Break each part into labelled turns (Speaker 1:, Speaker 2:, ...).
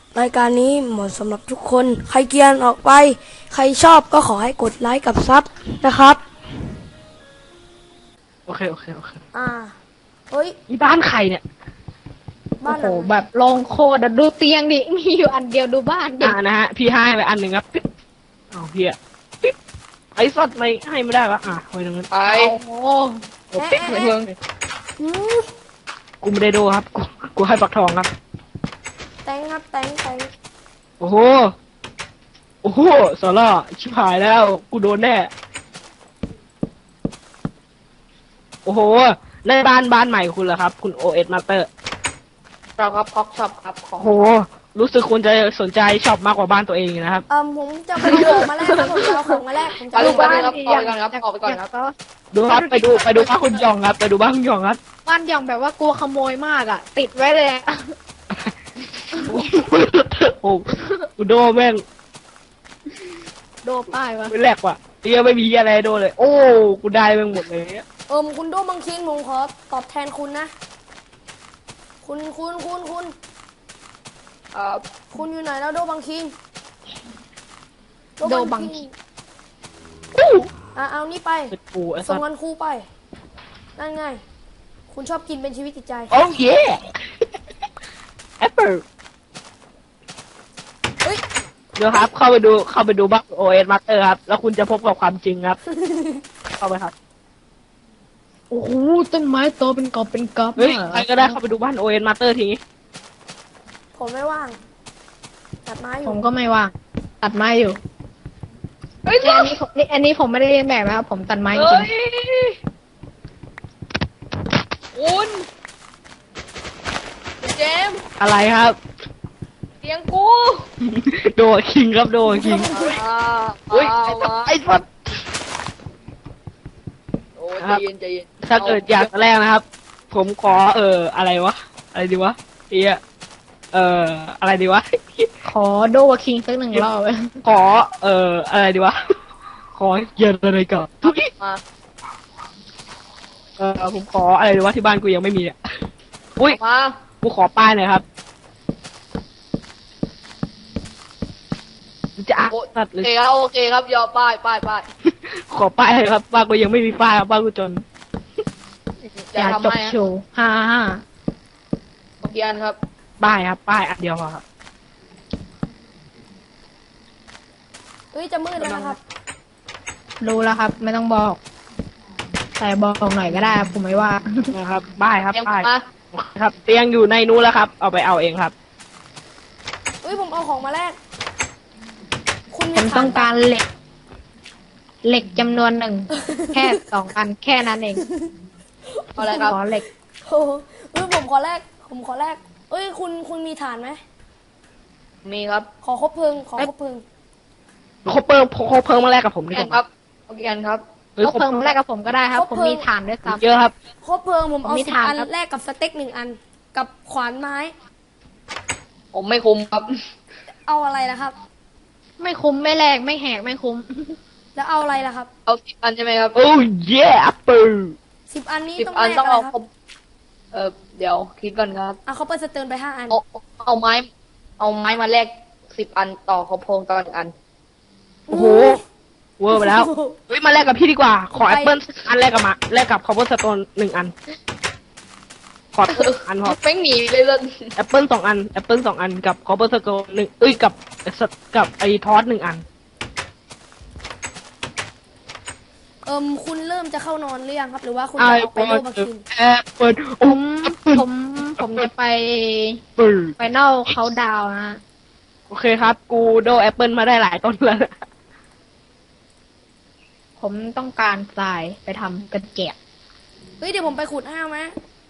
Speaker 1: รายการนี้เหมาะสำหรับทุกคนใครเกรียนออกไปใครชอบก็ขอให้กดไลค์กับซับนะครับ
Speaker 2: โอเค
Speaker 1: เฮ้ย
Speaker 2: อีบ้านใครเนี่ย
Speaker 1: บ้านหลัง
Speaker 3: โอ้โหแบบลงโคตรดูเตียงดิมีอยู่อันเดียวดูบ้านดิ
Speaker 2: นะฮะพี่ให้ไปอันหนึ่งครับปิ๊บเอาพี่อะปิ๊บไอ้สัตว์ไม่ให้ไม่ได้วะไว้ตรงนั้น
Speaker 4: ไป
Speaker 3: โอ้โห
Speaker 2: โอ้ปิ๊บเลยเพิ่ง
Speaker 1: อืม
Speaker 2: กูไม่ได้โดครับกูให้ปักทองครับ
Speaker 1: แตงครับแตง
Speaker 2: โอ้โหสาระชิบหายแล้วกูโดนแน่โอ้โหในบ้านใหม่คุณเหรอครับคุณ OS Master
Speaker 4: เราครับพ็อกช็อปครับของ
Speaker 2: โอ้โหรู้สึกคุณจะสนใจช็อปมากกว่าบ้านตัวเองนะครับ
Speaker 1: ผมจะไปเอาของมาแลกครับผมจะเอาของมาแลกผมจะ
Speaker 4: ไป
Speaker 1: เอา
Speaker 4: ลูก
Speaker 1: บ้า
Speaker 4: บ้าน นครับออกไปก่อนครับออกไปก่อนครับ
Speaker 2: ดูครับไปดูบ้านคุณหยองครับไปดูบ้านคุณหยองครับ
Speaker 3: บ้านอย่างแบบว่ากลัวขโมยมากอ่ะ ติดไว้เลยอะ
Speaker 2: โอ้กูโดแม่ง
Speaker 3: โดป้ายวะ
Speaker 2: ไม่แหลกว่ะเตี้ยไม่มีอะไรโดเลยโอ้กูได้แม่งหมดเลย
Speaker 1: คุณโดบังคินผมขอตอบแทนคุณนะคุณอยู่ไหนแล้วโดบังคิง
Speaker 3: โดบังคิ
Speaker 1: เอานี่ไป
Speaker 2: เป็นปูไอ้
Speaker 1: ส่
Speaker 2: สั
Speaker 1: ง
Speaker 2: ส
Speaker 1: เงินครูไปนั่นไงคุณชอบกินเป็นชีวิตจิตใจ
Speaker 2: โอ้เย่แอปเปิล
Speaker 1: เฮ้ย
Speaker 2: เดี๋ยวครับเข้าไปดูบ้าน OS Master ครับแล้วคุณจะพบกับความจริงครับ เข้าไปครับ
Speaker 3: โอ้โหต้นไม้โตเป็นกอบเป็นกอบ
Speaker 2: เฮ้ยใครก็ได้เข้าไปดูบ้าน OS Master ทีนี้
Speaker 1: ผมไม่ว่างตัดไม้อ
Speaker 3: ผ
Speaker 1: ยู่
Speaker 3: มก็ไม่ว่างตัดไม้อยู่
Speaker 4: เฮ้ย
Speaker 3: อันนี้ผมไม่ได้เรียนแบบนะครับผมตัดไม้จริง
Speaker 4: คุณเจมส์
Speaker 2: อะไรครับ
Speaker 4: เตียงกู
Speaker 2: โดคิงครับโดคิงเฮ้ยไอ้สัส
Speaker 4: โอ้ใจเย็นใจเย็น
Speaker 2: ถ้าเกิดอยากแรกนะครับ ผมขออะไรวะอะไรดีวะอะไรดีวะ
Speaker 3: ขอโดวาคิงสักหนึ่งรอบ
Speaker 2: ขออะไรดีวะ ขอเย็นอะไรก่อนทุกที
Speaker 4: มา
Speaker 2: ผมขออะไรดีวะที่บ้านกูยังไม่มีอ่ะอุ้ย
Speaker 4: มา
Speaker 2: กูขอป้ายหน่อยครับจะอ่ะ
Speaker 4: โอ
Speaker 2: สัตว์เลย
Speaker 4: เคครับโอเคครับยอมป้าย
Speaker 2: ขอป้ายเลยครับบ้านกูยังไม่มีป้ายครับบ้านกูจน
Speaker 4: จะ
Speaker 3: อยาก
Speaker 4: ทำ
Speaker 3: จบ
Speaker 4: ให้
Speaker 3: โชว์ฮ่า
Speaker 4: โอเคอันครับ
Speaker 2: ป้ายครับป้ายอันเดียวพอครับ
Speaker 1: เฮ้ยจะมืดแล้วนะครับ
Speaker 3: รู้แล้วครับ ไม่ต้องบอก แต่บอกหน่อยก็ได้ครับผมไม่ว่า
Speaker 2: นะครับป้ายครับ
Speaker 4: เตรียม
Speaker 2: ป้าย
Speaker 4: มา
Speaker 2: ครับ เตียงอยู่ในนู้นแล้วครับ เอาไปเอาเองครับ
Speaker 1: เฮ้ยผมเอาของมาแลกคุณ
Speaker 3: ผมต้องการเหล็กจำนวนหนึ่ง แค่2 อันแค่นั้นเอง
Speaker 4: เอาอะไรครับ
Speaker 3: ขอเหล็ก
Speaker 1: โอ้โหผมขอแลกเอ้ยคุณมีฐานไหม
Speaker 4: มีครับ
Speaker 1: ขอคบเพลิงขอคบเพลิง
Speaker 2: คบเพิ่มมาแรกกับผมดี
Speaker 4: แก
Speaker 2: ก
Speaker 4: น
Speaker 2: ว่า
Speaker 4: ครับโอเคอันครับ
Speaker 2: เฮ้ย
Speaker 3: เขาเพิ่มแรกกับผมก็ได้ครับ ผมมีฐานด้วยซ้
Speaker 2: เยอะครับ
Speaker 1: คบเพลิงผมเอา
Speaker 3: มี
Speaker 1: 10
Speaker 3: ฐาน
Speaker 1: อัน
Speaker 3: ครับ
Speaker 1: แลกกับสเต็ก1 อัน กับขวานไม้
Speaker 4: ผมไม่คุมครับ
Speaker 1: เอาอะไรล่ะครับ
Speaker 3: ำไม่คุ้มไม่แลกไม่แหกไม่คุ้ม
Speaker 1: แล้วเอาอะไรล่ะครับ
Speaker 4: เอา10 อันใช่ไหมครับ
Speaker 2: โอ้เย่แอปเปิล
Speaker 1: 10 อันนี้
Speaker 4: 10
Speaker 1: ต้อง
Speaker 4: อัน
Speaker 1: แลก
Speaker 4: ต้อง
Speaker 1: อะไร
Speaker 4: เอา
Speaker 1: ครับ
Speaker 4: ครบเดี๋ยวคิดก่อนครับ
Speaker 1: เอาเขาไปสเติร์นไป5 อัน
Speaker 4: เอาไม้มาแลก10 อันต่อครบโพงต่อ1 อัน
Speaker 2: โอ้โหเวอร์ไปแล้วเฮ้ยมาแลกกับพี่ดีกว่า ขอแอปเปิลอันแรกกับแลกกับคอปเปอร์สโตน1 อัน ขออันพอ
Speaker 4: เป้งหนีเลยเลย
Speaker 2: แอปเปิล2 อันแอปเปิล2 อันกับคอปเปอร์สโตน1กับไอ้ทอส1 อัน
Speaker 1: คุณเริ่มจะเข้านอนหรือยังครับ หรือว่าคุณ
Speaker 2: ไอ
Speaker 1: จะออก
Speaker 2: บ
Speaker 1: ไป
Speaker 2: อ
Speaker 1: โล
Speaker 2: ล
Speaker 1: บักคิน
Speaker 2: แอปเปิลโอ้
Speaker 3: ผมจะไป
Speaker 2: เปิล
Speaker 3: ไฟนอลเขาดาวนะ
Speaker 2: โอเคครับ กูโดแอปเปิลมาได้หลายต้นแล้วนะ
Speaker 3: ผมต้องการทรายไปทำกระเจี๊ยบ
Speaker 1: เฮ้ยเดี๋ยวผมไปขุดให้เอาไหม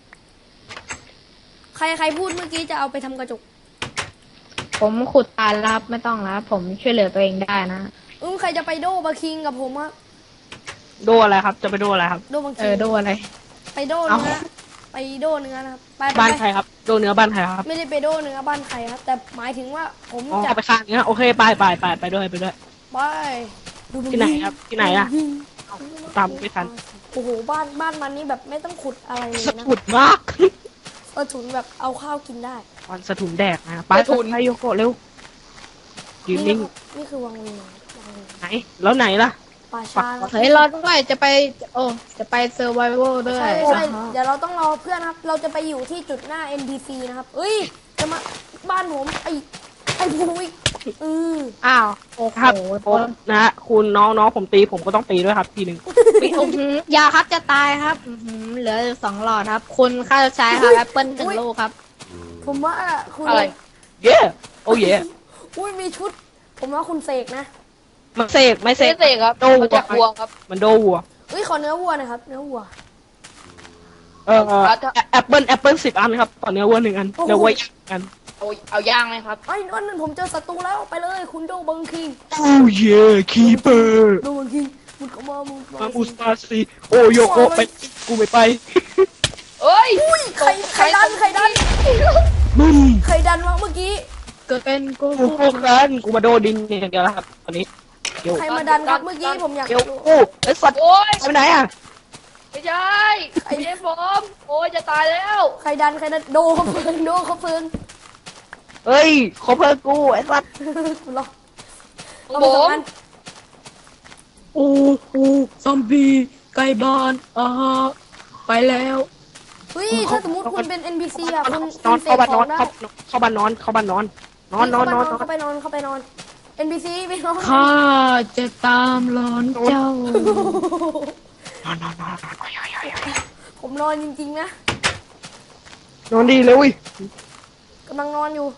Speaker 1: ใครพูดเมื่อกี้จะเอาไปทำกระจก
Speaker 3: ผมขุดตายแล้วครับไม่ต้องแล้วผมช่วยเหลือตัวเองได้นะ
Speaker 1: ใครจะไปโดบักคิงกับผมอะ
Speaker 2: โดอะไรครับ จะไปโดอะไรครับ
Speaker 1: โดบักคิง
Speaker 3: ดูอะไร
Speaker 1: ไปโด
Speaker 2: เอ้า
Speaker 1: เนื้อไปโดเนื้อนะครับไป
Speaker 2: บ้านใครครับ โดเนื้อบ้านใครครับ
Speaker 1: ไม่ได้ไปโดเนื้อบ้านใครครับ แต่หมายถึงว่าผม
Speaker 2: อ๋อ
Speaker 1: จะ
Speaker 2: ไปข้างเนี้ยโอเคไปด้วย
Speaker 1: ไปดูมั
Speaker 2: ที่ไหนครับที่ไหนอะ
Speaker 1: ยิง
Speaker 2: ตามไม่ทัน
Speaker 1: โอ้โหบ้านมันนี่แบบไม่ต้องขุดอะไรเลย
Speaker 2: สะ
Speaker 1: นะ
Speaker 2: กุดมาก
Speaker 1: ถุนแบบเอาข้าวกินได้
Speaker 2: ตอนสะถุนแดกนะไปไปโยโกะเร็วยืนนิ่ง
Speaker 1: นี่คือวังเวียงวังเวียง
Speaker 2: ไหนแล้วไหนล่ะ
Speaker 1: ป่าชานะ
Speaker 3: เฮ้ยรอด้วยจะไปจะไปเซอร์ไวโด้วย
Speaker 1: ใช่เดี๋ยวเราต้องรอเพื่อนครับ เราจะไปอยู่ที่จุดหน้า NPC นะครับเอ้ยจะมาบ้านผมไอ้ภูวิก
Speaker 3: อ้าวโอ้โห
Speaker 2: ครับผมนะฮะคุณน้องผมตีผมก็ต้องตีด้วยครับทีหนึ่ง
Speaker 3: ยาครับจะตายครับเหลือ2 หลอดครับ คุณค่าจะใช้ครับแอปเปิล1 ลูกครับ
Speaker 1: ผมว่าคุณ
Speaker 4: อะไร
Speaker 2: เย้โอ้เย่
Speaker 1: อุ้ยมีชุด ผมว่าคุณเสกนะ
Speaker 2: มันเสกไม่เส
Speaker 4: เส
Speaker 2: ก
Speaker 4: กครับ
Speaker 2: โด
Speaker 4: มาจากวัวครับ
Speaker 2: มันโดวัว
Speaker 1: เอ้ยขอเนื้อวัวหนะครับเนื้อวัว
Speaker 2: แอปเปิล10 อันครับต่อเนื้อวัว1 อันเนื้อวัวย่างกัน
Speaker 4: เอาย่างไหมครับ
Speaker 1: ไอ้นั่นผมเจอศัตรูแล้วไปเลยคุณโดบังคิง
Speaker 2: โอ้เย่คีเปอร์
Speaker 1: โดบังคิงมึงเข้ามามึง
Speaker 2: มาอุสตาซีโอโยโกไปกูไม่ไป
Speaker 4: เอ้ย
Speaker 1: อุ้ยใครดัน
Speaker 2: มึง
Speaker 1: ใครดันวะเมื่อกี้
Speaker 3: เกิดเป็นกู
Speaker 2: กูพวกนั้นกูมาโดดินเนี่ยอย่างเดียวแล้วครับตอนนี้เดี๋ยว
Speaker 1: ใครมาดันครับเมื่อกี้ผมอยาก
Speaker 2: เดี๋ยว
Speaker 1: รู้
Speaker 2: กูไอ้สัตว์
Speaker 4: โอ้ย
Speaker 2: ไปไหนอ่ะ
Speaker 4: ไม่ใช่ไอ้เจ๊ผมโอ้ยจะตายแล้ว
Speaker 1: ใครดันโดเขาเฟิงโดเขาเฟิง
Speaker 2: เฮ้ยขอเพิ่มกูไอ้สัตว์
Speaker 1: กูรอ
Speaker 4: ผ
Speaker 1: เอาไปสอง
Speaker 4: ม
Speaker 1: อัน
Speaker 3: โอ้โหซอมบี้ไก่บ้านไปแล้ว
Speaker 1: เฮ้ยถ้าสมมติคุณเป็น NPC อ่ะคุณ
Speaker 2: นอน
Speaker 1: เส
Speaker 2: เข้าก บ้าน
Speaker 1: ข
Speaker 2: น
Speaker 1: อ
Speaker 2: อง น
Speaker 1: ได้
Speaker 2: เข้าบ้านนอนเข้าบ้านนอนนอน
Speaker 1: เข้าไปนอน NPC ไปนอน
Speaker 3: ข้าจะตามหลอนเจ้า
Speaker 2: นอน
Speaker 1: ผมนอนจริงๆนะ
Speaker 2: นอนดีเลยเว้ย
Speaker 1: กำลังนอนอยู่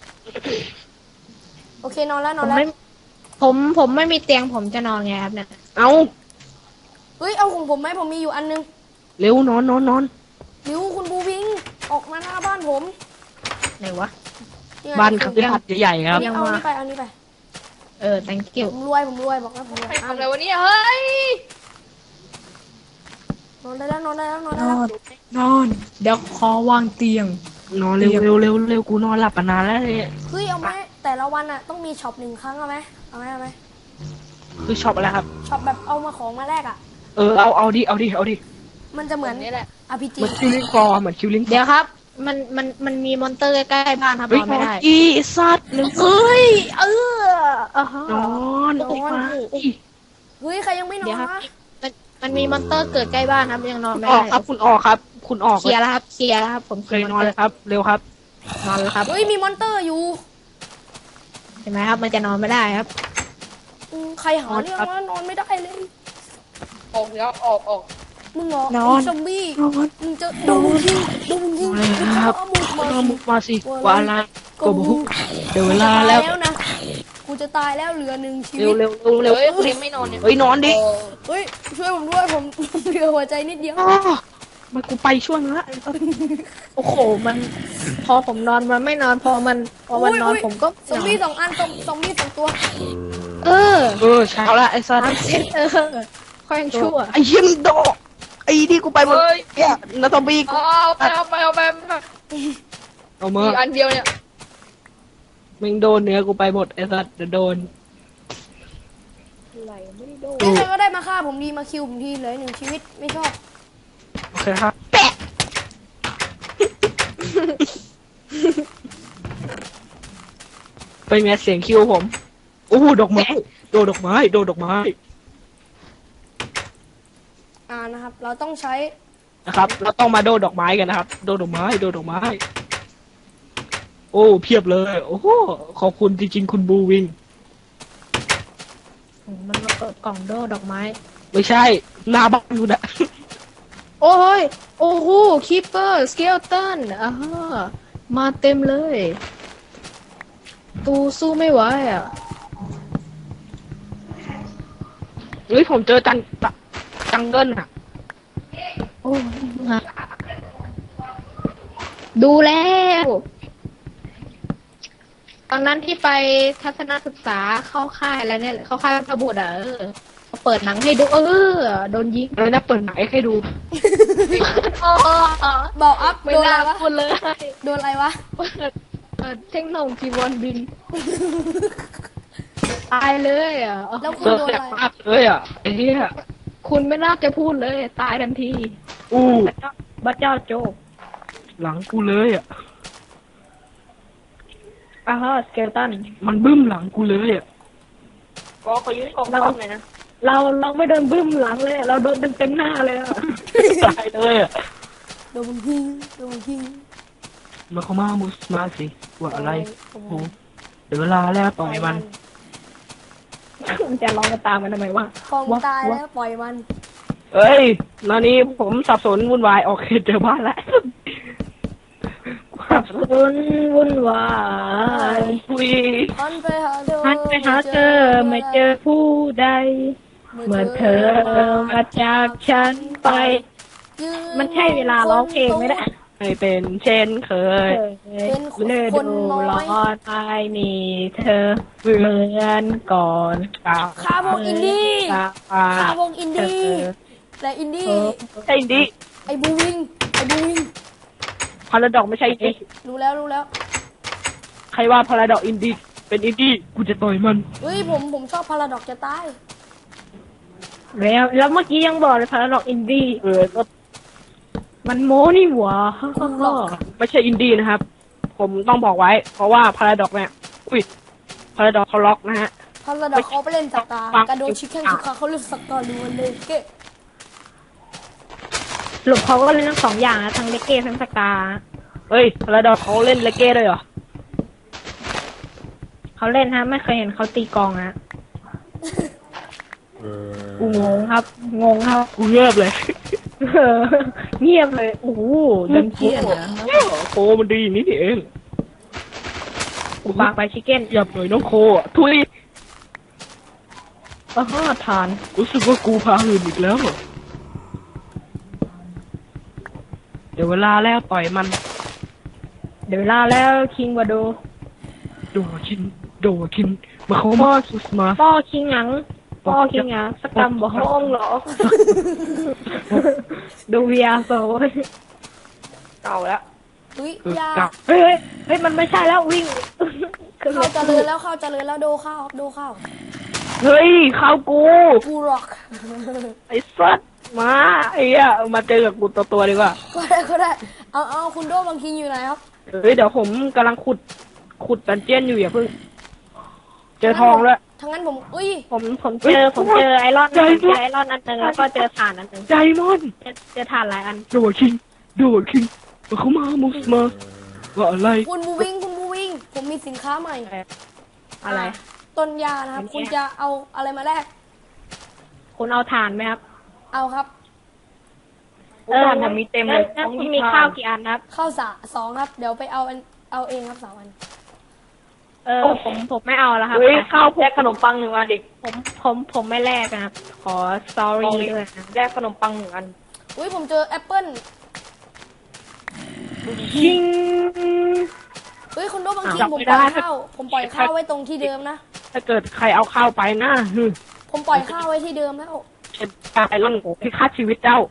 Speaker 1: โอเคนอนแล้ว
Speaker 3: ผมไม่มีเตียงผมจะนอนไงครับเนี่ย
Speaker 2: เอา
Speaker 1: เฮ้ยเอาของผมไหมผมมีอยู่อันนึง
Speaker 2: เร็วนอน
Speaker 1: ริวคุณบูพิงออกมาหน้าบ้านผม
Speaker 3: ไหนวะ
Speaker 1: ไง
Speaker 2: บ้านคฤหาสน์ใหญ่ๆครับ
Speaker 1: เอานี่ไป
Speaker 3: thank you
Speaker 1: ผมรวยบอกแล้วผมรวย
Speaker 4: ใครทำอะไรวะเนี่ยเฮ้ย
Speaker 1: นอนได้แล้ว
Speaker 3: นอน เดี๋ยวขอวางเตียง
Speaker 2: นอนเร็วกูนอนหลับมานานแล้วเนี่ย
Speaker 1: เฮ้ยเอาไหมแต่ละวันอ่ะต้องมีช็อป1 ครั้งเอาไหม
Speaker 2: คือช็อปอะไรครับ
Speaker 1: ช็อปแบบเอามาของมาแลกอ่ะ
Speaker 2: เอาดิ
Speaker 1: มันจะเหมือน
Speaker 4: นี่แหละ
Speaker 1: RPG
Speaker 2: เหมือนคิวลิงฟอร์เหมือนคิวลิง
Speaker 3: เดี๋ยวครับ มันมีมอนเตอร์ใกล้ๆบ้านครับ
Speaker 2: เฮ้ย
Speaker 3: นอนไม่ได้
Speaker 2: อีสัตว์เร็ว
Speaker 3: เอ้ยฮะ
Speaker 2: นอนออกมา
Speaker 1: เฮ้ยใครยังไม่นอ
Speaker 3: เดี๋ย
Speaker 1: น
Speaker 3: วครับ
Speaker 1: วะ
Speaker 3: มันมีมอนเตอร์เกิดใกล้บ้านครับยังนอนไม่
Speaker 2: ออก
Speaker 3: ได้
Speaker 2: ครับคุณออกครับ คุณออก
Speaker 3: เคลียร์แล้วครับเคลียร์แล้วครับผม
Speaker 2: เคยนอนเลยครับ เร็วครับ
Speaker 3: นอนแล้วครับ
Speaker 1: เฮ้ยมีมอนเตอร์อยู่
Speaker 3: เห็นไหมครับ มันจะนอนไม่ได้ครับ
Speaker 1: ใครหาเรื่องว่านอนไม่ได้เลย
Speaker 4: ออกแล้วออก
Speaker 1: มึงเหรอน
Speaker 3: อน
Speaker 1: ไอ้ซอมบี้มึงจะโดนยิงมึงจะเอาหมุดมา
Speaker 2: เอามุกมาสิว่าอะไรก็บอกเดี๋ยวเวลาแล้ว
Speaker 1: นะกูจะตายแล้วเหลือ1 ชี
Speaker 2: เร็
Speaker 1: วิ
Speaker 2: ว
Speaker 1: ต
Speaker 2: เร็วเร็ว
Speaker 4: ๆ
Speaker 2: เร็ว
Speaker 4: เฮ้ยครีมไม่นอนเนี่ย
Speaker 2: เฮ้ยนอนดิ
Speaker 1: เฮ้ยช่วยผมด้วยผมเหลือหัวใจนิดเดียว
Speaker 2: มันกูไปช่วงละ
Speaker 3: โอ้โหมันพอผมนอนมันไม่นอนพอมันนอนผมก็
Speaker 1: ซอมบี้2 อันซอมบี้2 ตัว
Speaker 3: เออ
Speaker 2: เช้าละไอ้สัตว์
Speaker 3: ทำเสร็จค่อยยังชั่ว
Speaker 2: ไอ้เหี้ยมนโดไอ้ที่กูไปหมดเนี่ยนาตอมบี้กู
Speaker 4: เอาไป
Speaker 2: เอามา
Speaker 4: มีอันเดียวเนี่ย
Speaker 2: มึงโดนเนื้อกูไปหมดไอ้สัตว์เดี๋ยวโดน
Speaker 1: เฮ้ยใครก็ได้มาฆ่าผมดีมาคิวผมทีเหลือ1 ชีวิตไม่ชอบ
Speaker 2: โอเคครับแปะเป็นไงเสียงคิวผมโอ้ดอกไม้โดดอกไม้
Speaker 1: นะครับ เราต้องใช้
Speaker 2: นะครับเราต้องมาโดดอกไม้กันนะครับโดดอกไม้ โอ้เพียบเลย โอ้โหขอบคุณจริงๆคุณบูวิง
Speaker 3: มันมาเปิดกล่องโดดอกไม้
Speaker 2: ไม่ใช่หน้าบ้านกูนะ
Speaker 3: โอ้ยโอ้โหคีเปอร์สเกลตันมาเต็มเลย ตูสู้ไม่ไหวอ่ะ
Speaker 2: เฮ้ยผมเจอจังเกิลอะ
Speaker 3: โอ้ฮะดูแล้ว ตอนนั้นที่ไปทัศนศึกษาเข้าค่ายแล้วเนี่ยเข้าค่ายพระบุตรเขาเปิดหนังให้ดูโดนยิง
Speaker 2: เลยนะเปิดไหนให้ดู
Speaker 1: บอกอัพ
Speaker 3: ไม่
Speaker 1: โดน
Speaker 3: น่า
Speaker 1: อะไรวะ
Speaker 3: พูดเลย
Speaker 1: โดนอะไรวะ
Speaker 3: เปิดเทคโนโลยีวนบิน ตายเลยอ่ะ
Speaker 1: แล้วคุณ
Speaker 2: เจอ
Speaker 1: โดน
Speaker 2: แสบ
Speaker 1: อะไร
Speaker 2: มากเลยอ่ะไอ้เหี้ย
Speaker 3: คุณไม่น่าจะพูดเลย ตายทันที
Speaker 2: อู้
Speaker 3: บัดเจ้าโจก
Speaker 2: หลังกูเลยอ่ะ
Speaker 3: สเกลตัน
Speaker 2: มันบึ้มหลังกูเลยอ่ะ
Speaker 4: ก็ขอยืนกองทัพหน่อยนะ
Speaker 3: เราไม่โดนบึ้มหลังเลย เราโดนเต็มหน้าเลยอะ
Speaker 2: ตายเลยอ่ะ
Speaker 1: โดนมันยิงโดนมันยิง
Speaker 2: มาเข้ามามุสมาสิว่าอะไรโอ้โหเดี๋ยวเวลาแล้วต่อยมัน
Speaker 3: มันจะร้องกันตามกันทำไมวะ
Speaker 1: กองตายแล้วปล่อยมัน
Speaker 2: เอ้ยตอนนี้ผมสับสนวุ่นวายโอเคเจอบ้านแล้ว
Speaker 3: วุ่นวาย
Speaker 2: คุย
Speaker 1: หันไปหาเธอ
Speaker 3: หันไปหาเธอไม่เจอผู้ใด เมื่อเธอมาจากฉันไป
Speaker 1: ยืน
Speaker 3: มันใช่เวลาร้องเพลงไหมเนี่ย
Speaker 2: ให้เป็นเช่นเคย
Speaker 1: เป็นคน
Speaker 3: ฤ
Speaker 1: ค
Speaker 3: ดู
Speaker 1: นน้อ
Speaker 3: ร้
Speaker 1: ย
Speaker 3: อนไม่มีเธอเหมือนก่อน
Speaker 1: ฆ่าพวกอินดี้
Speaker 2: อ่า
Speaker 1: ฆ่าพวกอินดี้แต่อินดี้
Speaker 2: ใช่อินดี้
Speaker 1: ไอ้บูวิงไอ้บูวิง
Speaker 2: พาราดอกไม่ใช่อินดี้
Speaker 1: รู้แล้วรู้แล้ว
Speaker 2: ใครว่าพาราดอกอินดี้เป็นอินดี้กูจะต่อยมัน
Speaker 1: เฮ้ยผมชอบพาราดอกจะตาย
Speaker 3: แล้วเมื่อกี้ยังบอกเลยพาราดอกอินดี้
Speaker 2: ก็
Speaker 3: มันโม้นี่หว่า
Speaker 2: ไม่ใช่อินดี้นะครับ ผมต้องบอกไว้ เพราะว่าพาราดอกเนี่ยอุ้ยพาราดอกเขาล็อกนะฮะ
Speaker 1: พาราดอกเขาไปเล่นสกา
Speaker 2: ฟัง
Speaker 1: กระโดดชิคแข้งชิคขาเขาเล่นสกาล้วนเลยเก้
Speaker 3: หลุกเขาก็เล่นทั้งสองอย่างนะทั้งเลเก้ทั้งสกา
Speaker 2: เฮ้ยพาราดอกเขาเล่นเลเก้ด้วยเหรอ
Speaker 3: เขาเล่นฮะไม่เคยเห็นเขาตีกลองฮะกูงงครับ งงครับ
Speaker 2: กูเงียบเลย
Speaker 3: เงียบเลยโอ้โหดังเกียนนะ
Speaker 2: โคมันดีอย่างนี้นี่เอง
Speaker 3: กูปากไปชิคเก้น
Speaker 2: หยับหน่อยน้องโคอ่ะทุย
Speaker 3: ทาน
Speaker 2: รู้สึกว่ากูพาหื่นอีกแล้วอะเดี๋ยวเวลาแล้วต่อยมัน
Speaker 3: เดี๋ยวเวลาแล้วคิงวาโด
Speaker 2: โดคินโดคินมาเขามาสุสมา
Speaker 3: ป้อคิงหยังป้อคิงหยังสกรรมบ่ห้องเหรอ ดูเวียโซ
Speaker 4: เก่าแล้ว
Speaker 1: เฮ้ย
Speaker 2: คือย
Speaker 1: า
Speaker 2: กับ
Speaker 3: เฮ้ยมันไม่ใช่แล้ววิ่ง
Speaker 1: เข้าเจริญแล้วเข้าเจริญแล้วโดเข้าโดเข้า
Speaker 2: เฮ้ยเข้ากู
Speaker 1: กูร็อก
Speaker 2: ไอ้สัตว์มาไอ้เหี้ยมาเจอกับกูตัวดีกว่า
Speaker 1: ก็ได้เอาคุณโดบางทีอยู่ไหนครับ
Speaker 2: เฮ้ยเดี๋ยวผมกำลังขุดดันเจียนอยู่อย่าเพิ่งเจอทองแล้ว
Speaker 1: ทั้งนั้นผมอุ้ย
Speaker 3: ผมเจอไอรอนอันหนึงแล้วก็เจอถ่านอันหนึง
Speaker 2: ไดมอนด์
Speaker 3: เจอถ่านหลายอัน
Speaker 2: โดคิงโดคิงมาเขามามุสมาว่าอะไร
Speaker 1: คุณบูวิงผมมีสินค้าใหม่
Speaker 3: อะไร
Speaker 1: ต้นยานะครับ คุณจะเอาอะไรมาแลก
Speaker 3: คุณเอาถ่านไหมครับ
Speaker 1: เอาครับ
Speaker 4: ผมมีเต็มเลย
Speaker 3: แล้วคุณมีข้าวกี่อันครับ
Speaker 1: ข้าวสองครับ เดี๋ยวไปเอาเองครับ3 วัน
Speaker 3: ผมไม่เอาแล้วครับ
Speaker 4: เฮ้ยข้าวแลกขนมปัง1 อันดิ
Speaker 3: ผมไม่แลกนะครับ ขอ sorry ด้วยนะ
Speaker 4: แลกขนมปัง1 อัน
Speaker 1: อุ้ยผมเจอแอปเปิ้ล
Speaker 3: ชิง
Speaker 1: เฮ้ยคุณโดบางทีผมปล่อยข้าวไว้ตรงที่เดิมนะ
Speaker 2: ถ้าเกิดใครเอาข้าวไปนะฮึ
Speaker 1: ผมปล่อยข้าวไว้ที่เดิมแล้ว
Speaker 2: เป็นการไอ้ร่อนที่ฆ่าชีวิตเจ้า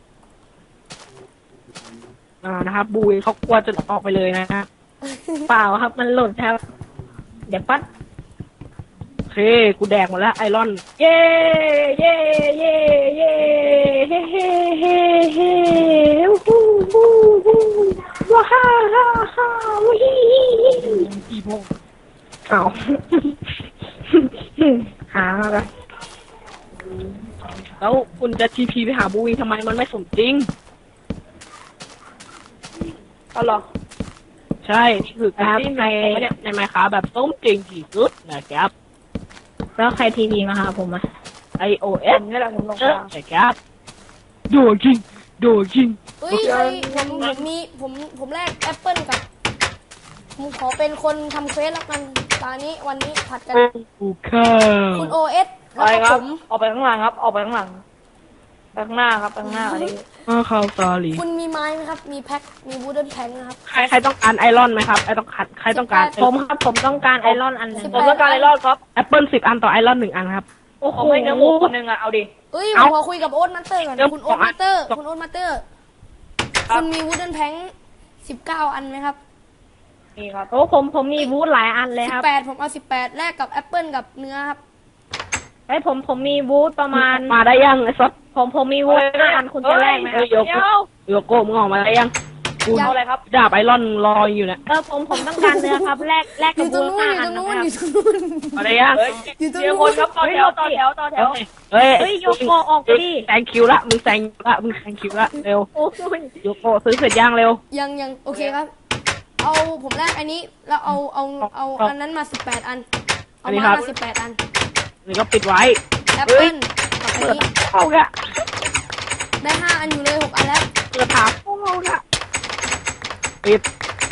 Speaker 2: นะครับบูยเขากลัวจะออกไปเลยนะฮะ
Speaker 3: เปล่าครับ มันหล่นครับ เดี๋ยวปั๊ด
Speaker 2: โอเคกูแดกหมดแล้วไอรอน
Speaker 3: เย้เย้เย้เย้เฮ้เฮ้เฮ้เฮ้ฮู้ฮู้ฮู้ว้าฮ่าฮ่าฮ่าวิ
Speaker 2: อีโม
Speaker 3: เอา หามาละ
Speaker 2: แล้วคุณจะทีพีไปหาบูยทำไมมันไม่สมจริง
Speaker 4: เอาหรอ
Speaker 2: ใช่นี่คือการที่ในไมค์ค้าแบบสมจริงที่สุดนะครับ
Speaker 3: แล้วใครทีวีมาหาผมอ่ะ
Speaker 2: iOS
Speaker 4: นี่แหละผมลง
Speaker 2: นะครับโดคิงโดคิง
Speaker 1: เฮ้ยผมแลกแอปเปิ้ลกับผมขอเป็นคนทำเควสแล้วกันวันนี้ผัดกัน
Speaker 2: กูข้าว
Speaker 1: คุณ OS
Speaker 4: ไป
Speaker 1: แล้ว
Speaker 4: ค
Speaker 1: ก็
Speaker 4: รับ
Speaker 1: ผม
Speaker 4: ออกไปข้างหลังครับ ออกไปข้างหลังไปข้างหน้าครับไปข้างหน้าอันนี้
Speaker 2: ข้าวซาลี
Speaker 1: คุณมีไม้ไหมครับ มีแพ็คมีวูดเดิลแพ็คนะครับ
Speaker 2: ใครต้องการไอรอนไหมครับใครต้องการ
Speaker 3: ผมครับผมต้องการไอรอนอันหนึง
Speaker 1: 18
Speaker 4: ผมต้องการไอรอดครับ
Speaker 2: แอปเปิล10 อันต่อไอรอน1 อันครับ
Speaker 3: โอ้โห
Speaker 4: เอาไม่เนื้อหมูคนหนึ่งอ่ะ เอาดิ
Speaker 1: เอ้ยผ
Speaker 2: เอ้า
Speaker 1: มขอคุยกับโอ๊ตมาสเตอร์ก่อน
Speaker 2: เดี๋ยว
Speaker 1: คุณโอ๊ตมาสเตอร์
Speaker 2: สอง
Speaker 1: คุณโอ๊ตมาสเตอร์
Speaker 4: ครับ
Speaker 1: คุณมีวูดเดิลแพ็ค19 อันไหมครับ
Speaker 4: นี่ครับ
Speaker 3: โอ้ผมมีวูดหลายอันเลยครับ
Speaker 1: 18ผมเอา18แลกกับแอปเปิ้ลกับเนื้อครับ
Speaker 3: ไอ้ยผมมีวูดประมาณ
Speaker 2: มาได้ยังไอ้ซับ
Speaker 3: ผมมีวูด5 อันคุณจะแลกไหมครับ
Speaker 2: โยโกะมึงออกมาได้ยังกู
Speaker 1: ยัง
Speaker 4: เอาอะไรครับ
Speaker 2: ดาบไอรอนรออยู่เนี่ย
Speaker 5: ผมต้องการเนื้อครับแลก
Speaker 1: อ
Speaker 5: กับ
Speaker 1: ยู่ตรงนู้น
Speaker 5: ห้า
Speaker 1: อยู่ตรงนู้น
Speaker 5: อั
Speaker 1: อยู่ตรงนู้น
Speaker 2: อะไรยัง
Speaker 4: เฮ้ย
Speaker 1: อยู่ตรง
Speaker 4: เดี๋ยว
Speaker 1: นู้
Speaker 4: คน
Speaker 1: น
Speaker 4: ครับต่อแถวต่อแถวต่อแถว
Speaker 2: เฮ้ย
Speaker 5: เฮ้ยโยโกออกไปดิ
Speaker 2: แซงคิวละมึงแซงคิวละเร็ว
Speaker 5: โอ้ย
Speaker 2: โยโกซื้อเสร็จยังเร็ว
Speaker 1: ยังโอเคครับ เอาผมแรกอันนี้แล้วเอาอันนั้นมา18 อัน เอามา18 อัน
Speaker 2: นี่ก็ปิดไว้
Speaker 1: แอปเปิ้ลกับอัน
Speaker 2: เปิด
Speaker 1: นี้
Speaker 2: เข้าแก
Speaker 1: ได้5 อันอยู่เลย6 อันแล้ว
Speaker 2: เปิดถามเข้าแกปิด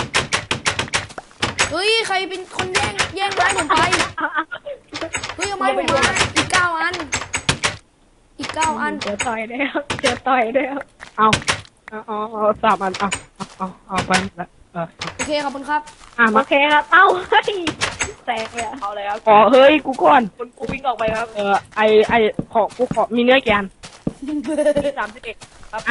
Speaker 1: เฮ้ยใครเป็นคนแย่งไม้ผมไปเฮ้ยเอาไม้ผมมาอีก9 อันอีก9 อัน
Speaker 5: เจอต่อยได้ครับเจอต่อยได้ครับ
Speaker 2: เอา3 อันเอาไปละ
Speaker 1: โอเคขอบคุณครับ
Speaker 5: โอ
Speaker 2: มา
Speaker 5: เคครับเอ้าเฮ้ยแตกเลยอะ
Speaker 4: เอาอะไรครับ
Speaker 2: ขอเฮ้ยกูก่อน
Speaker 4: คุณกูวิ่งออกไปครับ
Speaker 2: กูขอมีเนื้อแกน
Speaker 4: มี31ครับ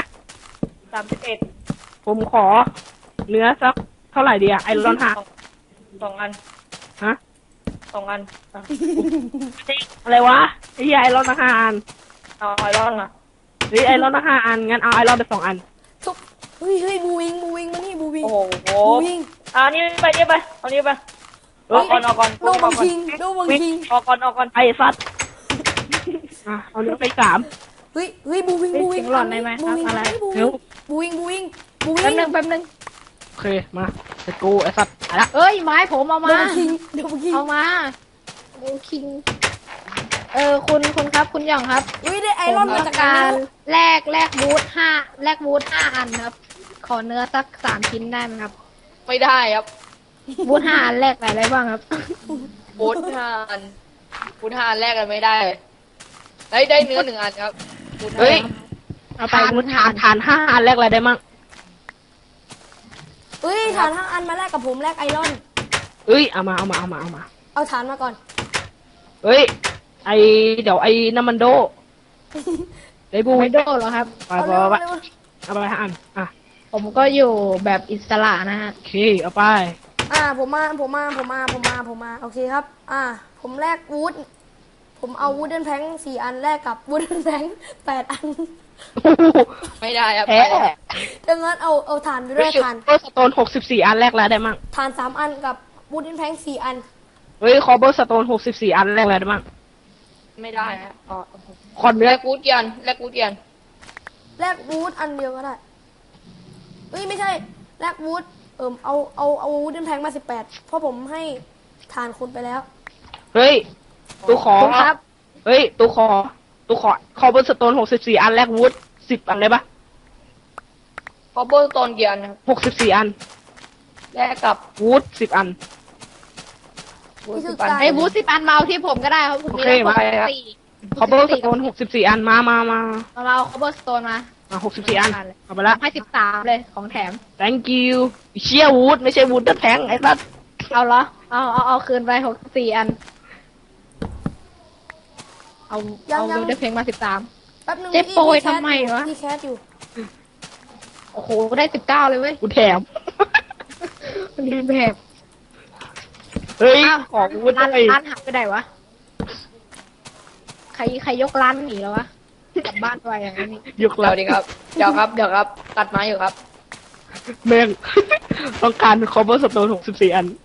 Speaker 4: 31
Speaker 2: ผมขอเนื้อสักเท่าไหร่ดีอะไอรอนฮา
Speaker 4: สองอัน
Speaker 2: ฮะ
Speaker 4: 2 อัน
Speaker 2: อะไรวะไอ้ไอรอน5 อัน
Speaker 4: เอาไอรอนอ่ะ
Speaker 2: หรือไอรอน5 อันงั้นเอาไอรอนไป2 อัน
Speaker 1: ทุกเฮ้ยบูวิงมานี่บูวิง
Speaker 4: โอ้โห
Speaker 1: บูวิง
Speaker 4: นี่ไปเอานี่ไปออกก่อน
Speaker 1: โนบังคิงโนบังคิง
Speaker 4: ออกก่อน
Speaker 2: ไอสัตว์เอาเนื้อไป3
Speaker 1: เฮ้ยบูวิง
Speaker 5: เสียงหลอนได้ไหมครับอะไร
Speaker 2: เร็ว
Speaker 1: บูวิง
Speaker 5: แป๊บนึง
Speaker 2: โอเคมาเสร็จกูไอสัตว์ไปละ
Speaker 5: เอ้ยไม้ผมเอา
Speaker 1: โน
Speaker 5: มา
Speaker 1: บังคิง
Speaker 5: เอามาโอ้คิงคุณครับคุณหย่องครับ
Speaker 1: เฮ้ยได้ไอรอน
Speaker 5: ผม
Speaker 1: มา
Speaker 5: ต้อ
Speaker 1: จาก
Speaker 5: ง
Speaker 1: กา
Speaker 5: การ
Speaker 1: ร
Speaker 5: แลกบูท5 อันครับ ขอเนื้อสัก3 ชิ้นได้ไหมครับ
Speaker 4: ไม่ได้ครับ
Speaker 5: บูท5 อันแลกอะไรบ้างครับ
Speaker 4: บูท5 อันบูท5 อันแรกกันไม่ได้ได้เนื้อ1 อันครับบูท5
Speaker 2: เฮ้ย
Speaker 5: เอาไป
Speaker 2: ฐาน
Speaker 5: บูท
Speaker 2: ฐาน5 อันแรกอะไรได้มั่ง
Speaker 1: เฮ้ยฐาน5 อันมาแลกกับผมแลกไอรอน
Speaker 2: เอ้ยเอามา
Speaker 1: เอาฐานมาก่อน
Speaker 2: เฮ้ยเดี๋ยวไอ้น้ำมันโดได้บู
Speaker 5: ไม่โดนหรอครับ
Speaker 2: ไป
Speaker 1: เอา
Speaker 2: ไป
Speaker 1: เร็ว
Speaker 2: ไป
Speaker 1: เร็ว
Speaker 2: เอาไป5 อัน
Speaker 5: ผมก็อยู่แบบอิสระนะฮะ
Speaker 2: โอเคเอาไป
Speaker 1: ผมมาโอเคครับ ผมแลกวูดผมเอาวูดเดนแพง4 อันแลกกับวูดเดนแพง8 อัน
Speaker 4: ไม่ได้ครับ
Speaker 2: แพ้
Speaker 1: ดังนั้นเอาฐานไปด้วยฐาน
Speaker 2: คอเบอร์สโตน64 อันแรกแล้วได้มั่ง
Speaker 1: ฐาน3 อันกับวูดเดนแพง4 อัน
Speaker 2: เฮ้ยคอเบอร์สโตน64 อันแรกแล้วได้มั่ง
Speaker 4: ไม่ได้ฮะอ๋อ
Speaker 2: ขอเนื้
Speaker 4: แล
Speaker 2: อก
Speaker 4: บูทยันแลกบูทยัน
Speaker 1: แลกวูดอันเดียวก็ได้เฮ้ยไม่ใช่แลกวูดเอาวูดเดนแพงมา18เพราะผมให้ฐานคุณไปแล้ว
Speaker 2: เฮ้ยตูขอ
Speaker 5: คุณครับ
Speaker 2: เฮ้ยตูขอคอเบอร์สโตน64 อันแรกวูด10 อันเลยปะ
Speaker 4: คอเบอร์ตอนกี่อันครับ
Speaker 2: 64 อัน
Speaker 4: แลกกับ
Speaker 2: วูด10 อัน
Speaker 4: บูท
Speaker 1: นี่คือ
Speaker 4: 10 อัน
Speaker 1: การ
Speaker 5: ไอ้บูท10 อันมาเอาที่ผมก็ได้ครับผม
Speaker 2: โอเคมา
Speaker 5: แล้ว
Speaker 2: คอเบอร์สโตน64 อันมา
Speaker 5: มาเอาคอเบอร์สโตนมา
Speaker 2: 64 อันเอาไปละ
Speaker 5: ให้13เลยของแถม
Speaker 2: thank you เชียวูดไม่ใช่วูดเดอร์แพงไอ้สัส
Speaker 5: เอาเหรอ เอาคืนไป64 อัน เอาบูทได้เพลงมา13
Speaker 1: แป๊บนึง
Speaker 5: เจ๊โปรยทำไมวะ
Speaker 1: พี่แคสอยู่
Speaker 5: โอ้โหได้19เลยเว้ย
Speaker 2: กูแถม
Speaker 5: มันดีแบบ
Speaker 2: เฮ้ย
Speaker 5: อ้าว
Speaker 2: ของวูด
Speaker 5: ร้าน
Speaker 2: เลย
Speaker 5: ร้านหักไปไหนวะใครยกร้านหนีแล้ววะกลับบ้านไปอย่างนี้
Speaker 2: ยก
Speaker 4: เดี๋
Speaker 2: แล้
Speaker 4: ยว วดีครับ เดี๋ยวครับ ตัดไม้อยู่ครับ
Speaker 2: แม่ง ต้องการคอเบอร์สโตน64 อัน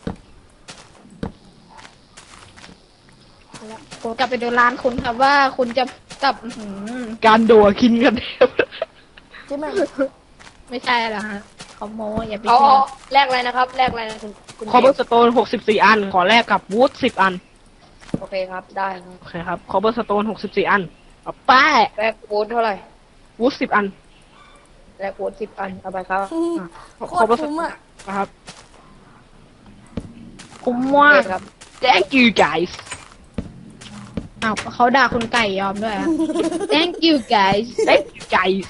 Speaker 5: ผมกลับไปดูร้านคุณครับว่าคุณจะกลับ
Speaker 2: การโดดคินกันเทพ
Speaker 1: ใช่ไหม
Speaker 5: ไม่ใช่เหรอฮะเขาโม้อย่าไป
Speaker 4: เอา
Speaker 5: เชื่อ
Speaker 4: แลกอะไรนะครับ แลกอะไรนะคุณ
Speaker 2: คอเบอร์สโตน64 อัน ขอแลกกับวูด10 อัน
Speaker 4: โอเคครับ ได้ครับ
Speaker 2: โอเคครับคอเบอร์สโตน64 อันเอาไป
Speaker 4: แลกบูทเท่าไหร่
Speaker 2: วูด10 อัน
Speaker 4: แลกบูท10 อัน เอาไปครับ
Speaker 1: โคตรคุ้มอ่ะ
Speaker 2: นะครับ
Speaker 5: คุ้ม
Speaker 4: โอ
Speaker 5: มาก
Speaker 4: เคครับ
Speaker 2: thank you guys
Speaker 5: อ้าวเขาด่าคุณไก่ยอมด้วยอะ Thank you guys
Speaker 2: thank you guys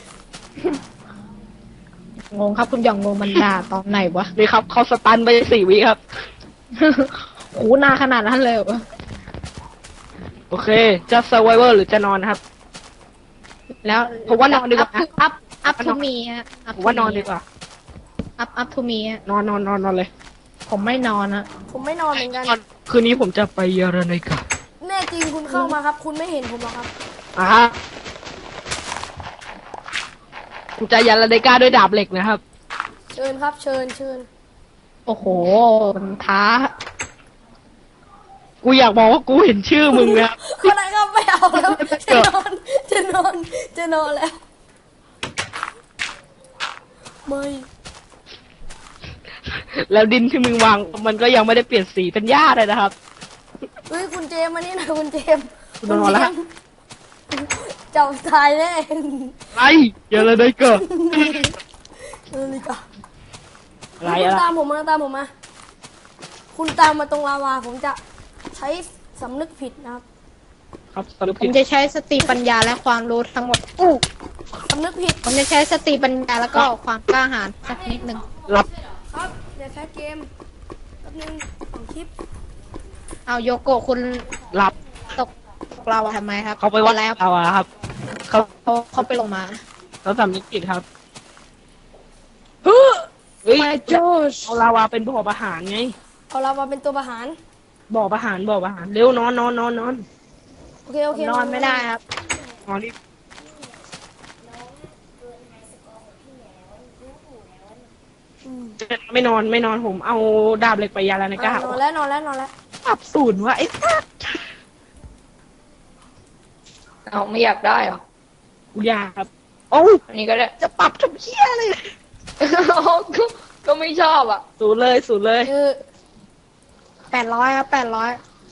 Speaker 5: งงครับคุณหย่องงงมันด่าตอนไหนวะ
Speaker 2: นี่ครับเขาสตันไป4 วิครับ
Speaker 5: โหนานขนาดนั้นเลยเหรอ
Speaker 2: โอเค จะ survivor หรือจะนอนครับ
Speaker 5: แล้ว
Speaker 2: ผมว่านอนดีกว่า
Speaker 5: up to me ฮะ
Speaker 2: ผมว่านอนดีกว่า
Speaker 5: up to me ฮะ
Speaker 2: นอนเลย
Speaker 5: ผมไม่นอนอะ
Speaker 1: ผมไม่นอนเหมือนกัน
Speaker 2: คืนนี้ผมจะไปเยอรมันกับ
Speaker 1: แน่จริงคุณเข้ามาครับ คุณไม่เห็นผมหรอกครับ
Speaker 2: ฮะผมจะยันระเดกาด้วยดาบเหล็กนะครับ
Speaker 1: เชิญครับ เชิญเชิญ
Speaker 3: โอ้โห มันท้า
Speaker 2: กูอยากบอกว่ากูเห็นชื่อมึงนะ
Speaker 1: คนไหนครับไม่เอาแล้วจะนอนจะนอนจะนอนแล้วไม่
Speaker 2: แล้วดินที่มึงวางมันก็ยังไม่ได้เปลี่ยนสีเป็นหญ้าเลยนะครับ
Speaker 1: เฮ้ยคุณเจมส์มานี่หนะคุณเจมส์
Speaker 2: คุณนอนแล้ว
Speaker 1: เจ้าตายแน่
Speaker 2: ไอ้อย่าเลยได้เกิด
Speaker 1: นี่ก็
Speaker 2: อะไร
Speaker 1: คุณ
Speaker 2: อะไร
Speaker 1: ตามผมมาตามผมมา คุณตามมาตรงลาวาผมจะใช้สำนึกผิดนะครับ
Speaker 2: ครับสรุป
Speaker 3: ผ
Speaker 2: ผิ
Speaker 3: ม
Speaker 2: ด
Speaker 3: จะใช้สติปัญญาและความรู้ทั้งหมด
Speaker 1: สำนึกผิด
Speaker 3: ผมจะใช้สติปัญญาแล้วก็ความกล้าหาญสักนิดหนึ่ง
Speaker 2: รับ
Speaker 1: ครับเดี๋ยวแคสเกมแป๊บนึงของคลิป
Speaker 3: เอาโยโกะคุณ
Speaker 2: รับ
Speaker 3: ตกเราทำไมครับ
Speaker 2: เขาไปวัด
Speaker 3: แล้ว
Speaker 2: เอาอะครับเขา
Speaker 3: เขาไปลงมา
Speaker 2: เขาสำนึกผิดครับเฮ้ย
Speaker 3: My Josh
Speaker 2: เอาลาวาเป็นบ่อประหารไง
Speaker 1: เอาลาวาเป็นตัวประหาร
Speaker 2: บ่อประหารบ่อประหารเร็วนอนนอนนอนนอน
Speaker 1: โอเคโอเคน
Speaker 3: อนไม่ได้ครับ
Speaker 2: นอนนี่ไม่นอนไม่นอนผมเอาดาบเหล็กไปยาแล้วนะก้าน
Speaker 1: อนแล้วนอนแล้วนอนแล้ว
Speaker 2: ปรับศูนย์วะไอ้สัส
Speaker 4: เอาไม่อยากได้เหรอ
Speaker 2: กูอยากครับโอ้า
Speaker 4: อันนี้ก็ได้
Speaker 2: จะปรับทำเพี้ยเลย
Speaker 4: ก็ไม่ชอบอ่ะ
Speaker 2: ศูนย์เลยศูนย์เลย
Speaker 1: คือ
Speaker 3: 800ครับ800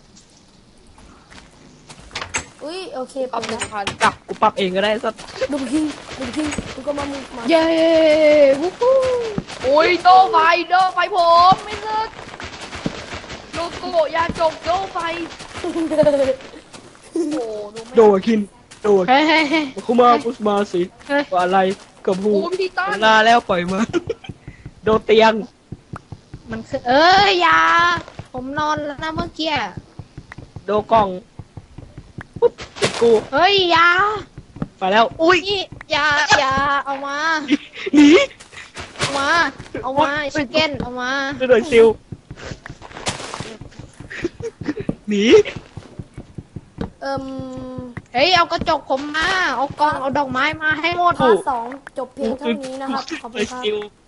Speaker 1: อุ้ยโอเค
Speaker 4: เอา
Speaker 1: ปรับ
Speaker 4: ห
Speaker 1: แล้
Speaker 4: นึ่
Speaker 1: ว
Speaker 4: งพัน
Speaker 2: ปรับกูปรับเองก็ได้สัก
Speaker 1: ดูคิงดูก็มามึงมา
Speaker 3: เย้วู้ฮู้
Speaker 4: อุ้ยโดไฟผมไม่เลิกโลโก้ยาจกโดไฟโอ้โหดูไม่
Speaker 2: โดดคินโดด
Speaker 3: เฮ้ยเฮ้ยเฮ้ย
Speaker 2: คุมาคุสมาสิ
Speaker 3: เฮ้ย
Speaker 2: ว่าอะไรกับหู
Speaker 4: โอ้พี่ตั้
Speaker 2: เวน ลาแล้วปล่อยมา โดดเตียง
Speaker 3: มันคืออย่า ผมนอนแล้วนะเมื่อกี้
Speaker 2: โดดกล่องปุ๊บติดกู
Speaker 3: เฮ้ยอย่า
Speaker 2: ไปแล้ว อุ้ย
Speaker 3: นี่อย่าเอามา
Speaker 2: หนี
Speaker 3: เอามา เอามาชิคเก้นเอามา
Speaker 2: โดดซิลหนี
Speaker 1: เอิ่ม
Speaker 3: เฮ้ยเอากระจกผมมา เอากล้องเอาดอกไม้มาให้หมด
Speaker 1: พาร์ท2จบเพียงเท่านี้นะครับขอบคุณครับ
Speaker 2: ซิล